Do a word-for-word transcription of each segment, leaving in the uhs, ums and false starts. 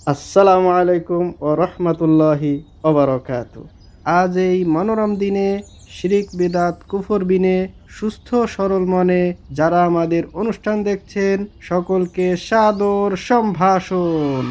আসসালামু আলাইকুম ও রহমতুল্লাহি ওবারকাতু। আজ এই মনোরম দিনে শিরিক বিদাত কুফর বিনে সুস্থ সরল মনে যারা আমাদের অনুষ্ঠান দেখছেন সকলকে সাদর সম্ভাষণ।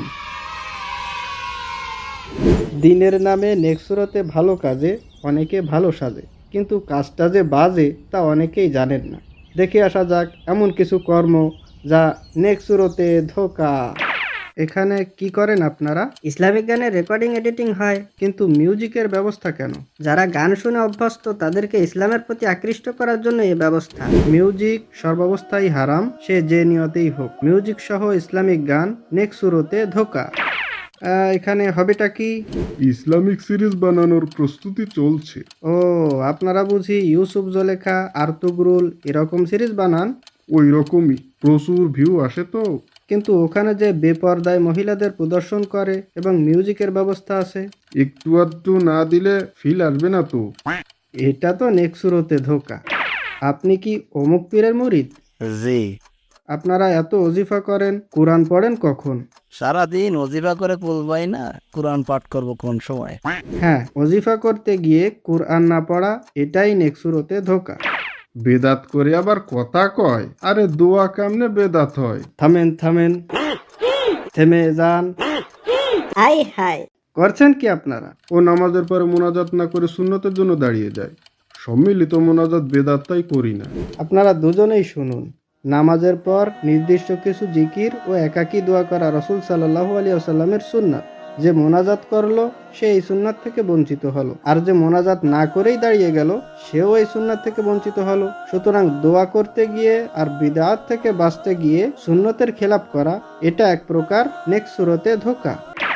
দিনের নামে নেক্সুরতে ভালো কাজে অনেকে ভালো সাজে, কিন্তু কাজটা যে বাজে তা অনেকেই জানেন না। দেখে আসা যাক এমন কিছু কর্ম যা নেক্সুরতে ধোকা। এখানে কি করেন আপনারা? ইসলামিক গানের রেকর্ডিং এডিটিং হয়। কিন্তু মিউজিকের ব্যবস্থা কেন? যারা গান শুনে অভ্যস্ত তাদেরকে ইসলামের প্রতি আকৃষ্ট করার জন্য এই ব্যবস্থা। মিউজিক সর্বাবস্থায় হারাম, সে যে নিয়তেই হোক। মিউজিক সহ ইসলামিক গান নেক্সুরতে ধোকা। আহ, এখানে হবেটা কি? ইসলামিক সিরিজ বানানোর প্রস্তুতি চলছে। ও, আপনারা বুঝি ইউসুফ জলেখা আর্তুগরুল এরকম সিরিজ বানান? ওই রকমই প্রচুর ভিউ আসে তো। কিন্তু ওখানে যে বেপর্দায় মহিলাদের প্রদর্শন করে এবং মিউজিকের ব্যবস্থা আছে, একটু আধটু না দিলে ফিল আসবে না তো। এটা তো নেক্সুরতে ধোকা। আপনি কি অমুক পীরের মুরিদ? জি, আপনারা এত ওজিফা করেন, কোরআন পড়েন কখন? সারাদিন অজিফা করে কুলবাই না, কোরআন পাঠ করব কোন সময়? হ্যাঁ, ওজিফা করতে গিয়ে কোরআন না পড়া, এটাই নেক্সুরতে ধোকা। বেদাত করে আবার কথা কয়, আরে দোয়া কামনে বেদাত হয়। থামেন থামেন, থেমে যান। হাই হাই করছেন কি আপনারা? ও নামাজের পরে মোনাজাত না করে সুন্নতের জন্য দাঁড়িয়ে যায়। সম্মিলিত মোনাজাত বেদাত তাই করি না। আপনারা দুজনেই শুনুন। নামাজের পর নির্দিষ্ট কিছু জিকির ও একাকী দোয়া করা রাসূল সাল্লাল্লাহু আলাইহি ওয়াসাল্লামের সুন্নাত। যে মোনাজাত করলো সে এই সুন্নাত থেকে বঞ্চিত হলো, আর যে মোনাজাত না করেই দাঁড়িয়ে গেল সেও এই সুন্নাত থেকে বঞ্চিত হলো। সুতরাং দোয়া করতে গিয়ে আর বিদআত থেকে বাঁচতে গিয়ে সুন্নতের খেলাপ করা, এটা এক প্রকার নেক্সুরতে ধোকা।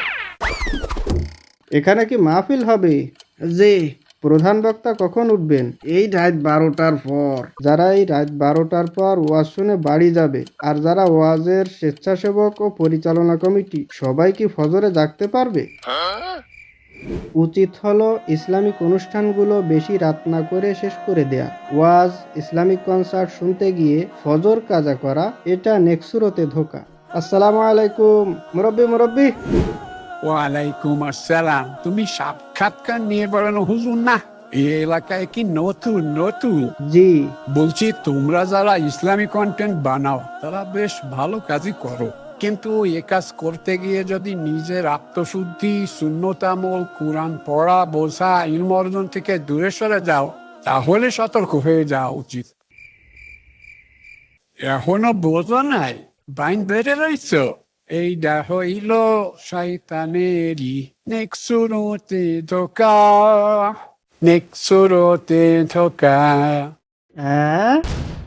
এখানে কি মাহফিল হবে? জি। প্রধান বক্তা কখন উঠবেন? এই রাত বারোটার পর। যারা এই রাত বারোটার পর ওয়াজ শুনে বাড়ি যাবে, আর যারা ওয়াজের স্বেচ্ছাসেবক ও পরিচালনা কমিটি, সবাই কি ফজরে জাগতে পারবে? উচিত হলো ইসলামিক অনুষ্ঠানগুলো বেশি রাত না করে শেষ করে দেয়া। ওয়াজ, ইসলামিক কনসার্ট শুনতে গিয়ে ফজর কাজা করা, এটা নেক্সুরতে ধোকা। আসসালামু আলাইকুম মুরব্বি মুরব্বি। ওয়ালাইকুম আসসালাম। তুমি সাক্ষাৎকার নিয়ে বেড়ানো হুজুর না? এই এলাকায় কি নতুন নতুন? জি। বলছি, তোমরা যারা ইসলামিক কন্টেন্ট বানাও তারা বেশ ভালো কাজই করো, কিন্তু এ কাজ করতে গিয়ে যদি নিজের আত্মশুদ্ধি, সুন্নতামল, কোরআন পড়া, বোঝা, ইলম অর্জন থেকে দূরে সরে যাও, তাহলে সতর্ক হয়ে যাওয়া উচিত। এখনো বোঝো নাই? বাইন বেড়ে রইছ? এইটা হইল শয়তানেরই নেক্সুরতে ধোকা, নেক্সুরতে ধোকা। হ্যাঁ,